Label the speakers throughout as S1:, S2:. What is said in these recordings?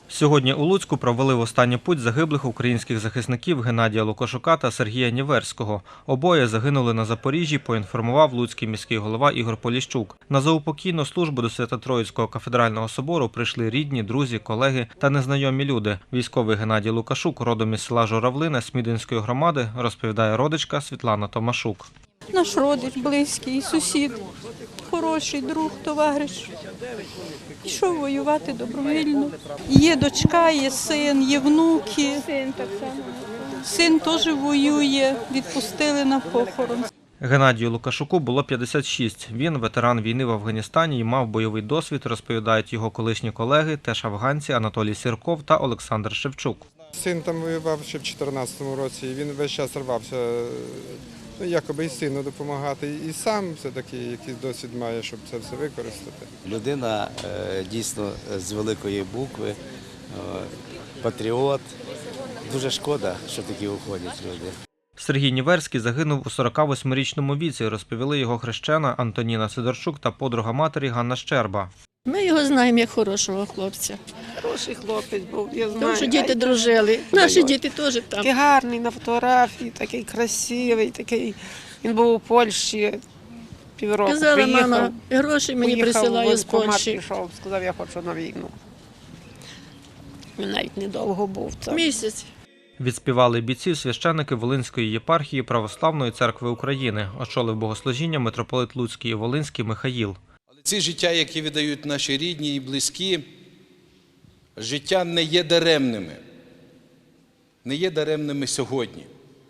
S1: Сьогодні у Луцьку провели в останню путь загиблих українських захисників Геннадія Лукашука та Сергія Ніверського. Обоє загинули на Запоріжжі, поінформував луцький міський голова Ігор Поліщук. На заупокійну службу до Свято-Троїцького кафедрального собору прийшли рідні, друзі, колеги та незнайомі люди. Військовий Геннадій Лукашук, родом із села Журавлине Смідинської громади, розповідає родичка Світлана Томашук.
S2: Наш родич, близький, сусід, хороший друг, товариш. Пішов воювати добровільно. Є дочка, є син, є внуки. Син так само. Син теж воює, відпустили на похорон.
S1: Геннадію Лукашуку було 56. Він ветеран війни в Афганістані і мав бойовий досвід, розповідають його колишні колеги, теж афганці Анатолій Сірков та Олександр Шевчук.
S3: Син там воював ще в 2014 році, і він весь час рвався, якоби і сину допомагати, і сам все-таки якийсь досвід має, щоб це все використати.
S4: Людина дійсно з великої букви, патріот. Дуже шкода, що такі уходять люди.
S1: Сергій Ніверський загинув у 48-річному віці, розповіли його хрещена Антоніна Сидорчук та подруга матері Ганна Щерба.
S5: Ми його знаємо як хорошого хлопця.
S6: Хороший хлопець був, я знаю.
S5: Тому що діти дружили. Наші діти теж там.
S6: Такий гарний на фотографії, такий красивий, такий. Він був у Польщі півроку.
S5: Казала, мама, гроші мені присилає з Польщі.
S6: Пішов, сказав, я хочу на війну. Він навіть недовго був там.
S5: Місяць.
S1: Відспівали бійців священники Волинської єпархії Православної церкви України. Очолив богослужіння митрополит Луцький і Волинський Михаїл.
S7: Але ці життя, які віддають наші рідні і близькі, життя не є даремними. Не є даремними сьогодні.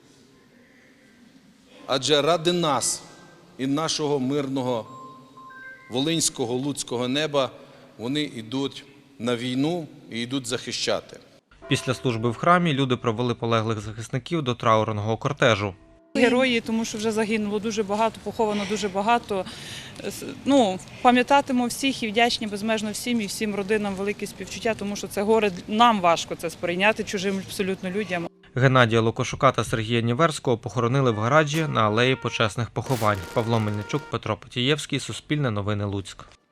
S7: Адже ради нас і нашого мирного волинського, луцького неба вони йдуть на війну і йдуть захищати.
S1: Після служби в храмі люди провели полеглих захисників до траурного кортежу.
S8: Герої, тому що вже загинуло дуже багато, поховано дуже багато. Пам'ятатимемо всіх і вдячні безмежно всім і всім родинам велике співчуття, тому що це горе нам важко це сприйняти чужим абсолютно людям.
S1: Геннадія Лукашука та Сергія Ніверського похоронили в гаражі на алеї почесних поховань. Павло Мельничук, Петро Потієвський, Суспільне новини Луцьк.